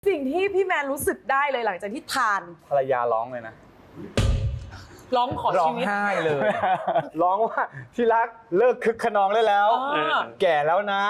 สิ่งที่พี่แมนรู้สึกได้เลยหลังจากที่ทานภรรยาร้องเลยนะร้องขอร้อชีงวิตไห้เลยร้องว่าที่รักเลิกคึกขนองได้แล้ว แก่แล้วนะ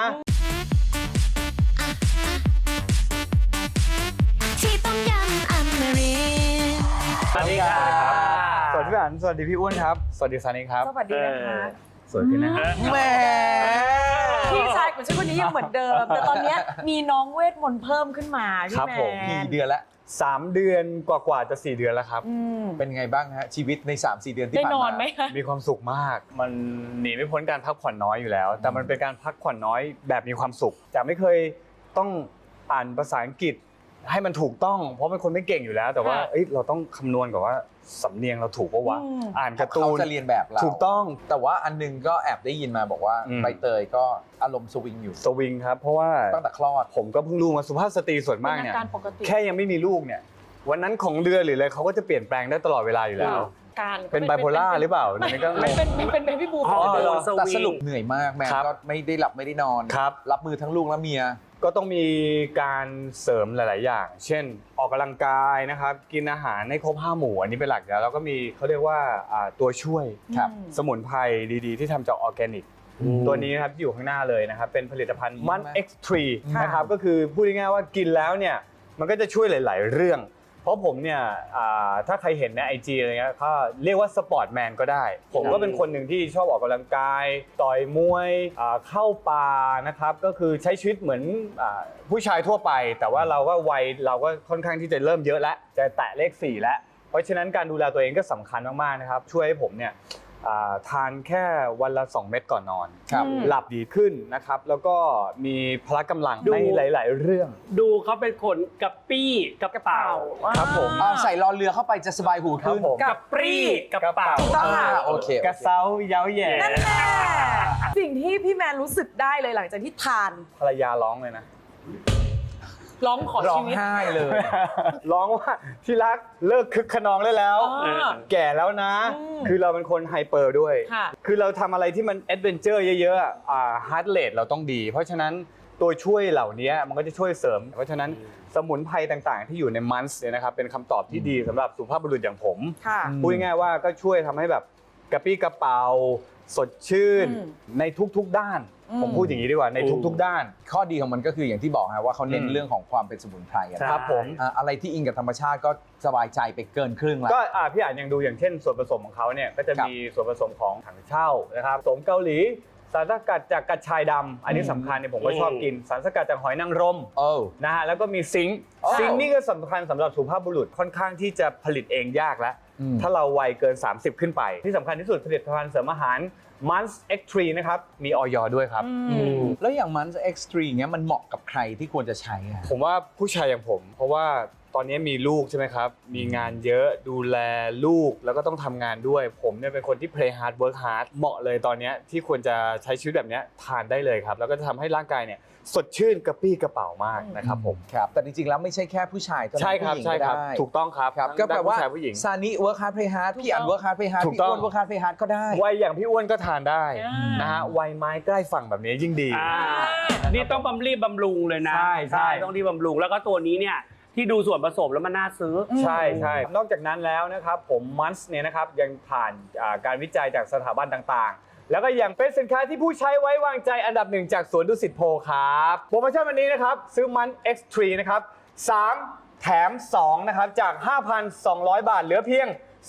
ที่ต้มยำอมรินทร์สวัสดีครับสวัสดีพี่อันสวัสดีพี่อ้วนครับ สวัสดีซานิครับสวัสดีนะคะสวยขึ้นนะฮะแหมพี่ชายของฉันคนนี้ยังเหมือนเดิม แต่ตอนเนี้ยมีน้องเวทมนต์เพิ่มขึ้นมาพี่ครับแมผมนกี่เดือนละ 3 เดือนกว่าๆจะ4 เดือนแล้วครับอืมเป็นไงบ้างฮะชีวิตใน 3-4 เดือนที่ได้ผ่านนมาอนไหมคะมีความสุขมาก มันหนีไม่พ้นการพักผ่อนน้อยอยู่แล้ว แต่มันเป็นการพักผ่อนน้อยแบบมีความสุขจากไม่เคยต้องอ่านภาษาอังกฤษให้มันถูกต้อง เพราะเป็นคนไม่เก่งอยู่แล้ว แต่ว่าเอ้ยเราต้องคำนวณก่อนว่าสำเนียงเราถูกปะวะ อ่านการ์ตูเขานจะเรียนแบบเราถูกต้องแต่ว่าอันนึงก็แอบได้ยินมาบอกว่าอืมใบเตยก็อารมณ์สวิงอยู่สวิงครับ เพราะว่าตั้งแต่คลอดผมก็เพิ่งรู้มาสุภาพสตรีส่วนมากเป็นเนี่ยอาการปกติแค่ยังไม่มีลูกเนี่ยวันนั้นของเดือนหรืออะไรเขาก็จะเปลี่ยนแปลงได้ตลอดเวลาอยู่แล้วการเป็นไบโพล่าหรือเปล่าอันนี้ก็งงเป็นเบบี้บูมอ๋อเหรอแต่สรุปเหนื่อยมากแม่ครับก็ไม่ได้หลับไม่ได้นอนครับรับมือทั้งลูกและเมียก็ต้องมีการเสริมหลาย ๆ อย่าง เช่น ออกกำลังกายนะครับ กินอาหารให้ครบ5 หมู่อันนี้เป็นหลักแล้วแล้วก็มีเขาเรียกว่าตัวช่วยครับสมุนไพรดีๆ ที่ทำจากออร์แกนิก ตัวนี้นะครับที่อยู่ข้างหน้าเลยนะครับ เป็นผลิตภัณฑ์มัน X3 นะครับ ก็คือพูดง่ายๆว่ากินแล้วเนี่ยมันก็จะช่วยหลาย ๆ เรื่อง เพราะผมเนี่ยถ้าใครเห็นใน IG อะไรเงี้ยก็เรียกว่าสปอร์ตแมนก็ได้ ผมก็เป็นคนหนึ่งที่ชอบออกกำลังกาย ต่อยมวยเข้าป่านะครับก็คือใช้ชีวิตเหมือนผู้ชายทั่วไป แต่ว่าเราก็วัยเราก็ค่อนข้างที่จะเริ่มเยอะแล้วจะแตะเลข 4 แล้ว เพราะฉะนั้นการดูแลตัวเองก็สำคัญมาก ๆ นะครับ ช่วยให้ผมเนี่ยทานแค่วันละ 2 เม็ดก่อนนอนครับหลับดีขึ้นนะครับแล้วก็มีพละกำลังในหลาย ๆ เรื่องดูเขาเป็นคนกระปี้กระเป๋าครับผมใส่รอเรือเข้าไปจะสบายหูครัขึ้บนผมกระปรี้กระเป๋าต้องค่ะโอเคกระเซ้าเย้าแย่นั่นแหละสิ่งที่พี่แมนรู้สึกได้เลยหลังจากที่ทานภรรยาร้องเลยนะร้องขอร้อชีงวิตไห้เลยร้องว่าที่รักเลิกคึกขนองได้แล้ว แก่แล้วนะ คือเราเป็นคนไฮเปอร์ด้วยค่ะคือเราทำอะไรที่มันแอดเวนเจอร์เยอะๆฮาร์ดเรทเราต้องดี เพราะฉะนั้นตัวช่วยเหล่านี้มันก็จะช่วยเสริม เพราะฉะนั้นสมุนไพรต่างๆ ที่อยู่ในมันส์เนี่ยนะครับเป็นคำตอบที่ดีสำหรับสุภาพบุรุษอย่างผมค่ะพูดง่ายๆว่าก็ช่วยทำให้แบบกระปี้กระเป๋าสดชื่นอืมในทุกๆด้าน ผมพูดอย่างนี้ดีกว่าในทุกๆด้านข้อดีของมันก็คืออย่างที่บอกฮะว่าเขาเน้นเรื่องของความเป็นสมุนไพรอะใช่ครับผมอะไรที่อิงกับธรรมชาติก็สบายใจไปเกินครึ่งแล้วก็พี่อ่านยังดูอย่างเช่นส่วนผสมของเขาเนี่ยก็จะครับมีส่วนผสมของถังเช่านะครับผสมเกาหลีสารสกัดจากกระชายดำอันนี้สำคัญเนี่ยผมก็ชอบกินสารสกัดจากหอยนางรมโอ้นะฮะแล้วก็มีซิงค์อ๋อซิงค์นี่ก็สำคัญสำหรับสุภาพบุรุษค่อนข้างที่จะผลิตเองยากแล้วอืมถ้าเราวัยเกิน 30 ขึ้นไป ที่สำคัญที่สุดผลิตภัณฑ์เสริมอาหาร Mans X3 นะครับมีออยด้วยครับแล้วอย่างมันเอ็กซ์ตรีเงี้ยมันเหมาะกับใครที่ควรจะใช้อะผมว่าผู้ชายอย่างผม เพราะว่าตอนนี้มีลูกใช่ไหมครับ มีงานเยอะดูแลลูกแล้วก็ต้องทำงานด้วย ผมเนี่ยเป็นคนที่ play hard work hard เหมาะเลยตอนนี้ที่ควรจะใช้ชีวิตแบบนี้ทานได้เลยครับ แล้วก็จะทำให้ร่างกายเนี่ยสดชื่นกระปี้กระเป๋ามากนะครับผมครับแต่จริงๆแล้วไม่ใช่แค่ผู้ชายเท่านั้นใช่ครับผู้หญิงใช่ครับได้ถูกต้องครับครับทั้งก็แปลว่าผู้ชายผู้หญิงซานิเวิร์คฮาร์ดเพย์ฮาร์ดพี่อันเวิร์คฮาร์ดเพย์ฮาร์ดถูกพี่ต้องอ้วนเวิร์คฮาร์ดเพย์ฮาร์ดก็ได้วัยอย่างพี่อ้วนก็ทานได้อ่านนะฮะวัยไม้ใกล้ฝั่งแบบนี้ยิ่งดีนี่ต้องรีบบำรุงเลยนะใช่ต้องรีบบำรุงแล้วก็ตัวนี้เนี่ยที่ดูส่วนผสมแล้วมันน่าซื้อใช่ใช่นอกจากนั้นแล้วนะครับผมมันส์เนี่ยนะครับยังผ่านการวิจัยจากสถาบันต่างๆ แล้วก็ยังเป็นสินค้าที่ผู้ใช้ไว้วางใจอันดับ 1 จากสวนดุสิตโพครับโปรโมชั่นวันนี้นะครับซื้อมัน X3 นะครับ3 แถม 2 นะครับจาก 5,200 บาทเหลือเพียง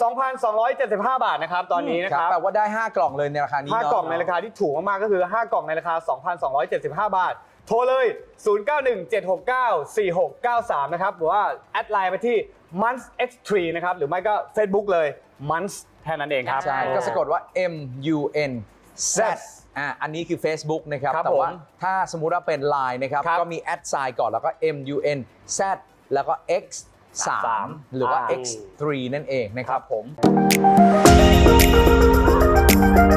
2,275 บาทนะครับตอนนี้นะครับแปลว่าได้ 5 กล่องเลยในราคานี้ 5 เนาะกล่องในราคาที่ถูกมากๆก็คือ 5 กล่องในราคา 2,275 บาท โทรเลย 0917694693 นะครับหรือว่าแอดไลน์ไปที่ Mans X3 นะครับหรือไม่ก็ Facebook เลย Mans แค่นั้นเองครับใช่ก็สะกดว่า MUN Z อันนี้คือ Facebook นะครับครับแต่ว่าผมถ้าสมมุติว่าเป็น Line นะครับครับก็มีแอดไซน์ก่อนแล้วก็ MUN Z แล้วก็ X 3หรือว่า X 3นั่นเองนะครับผมม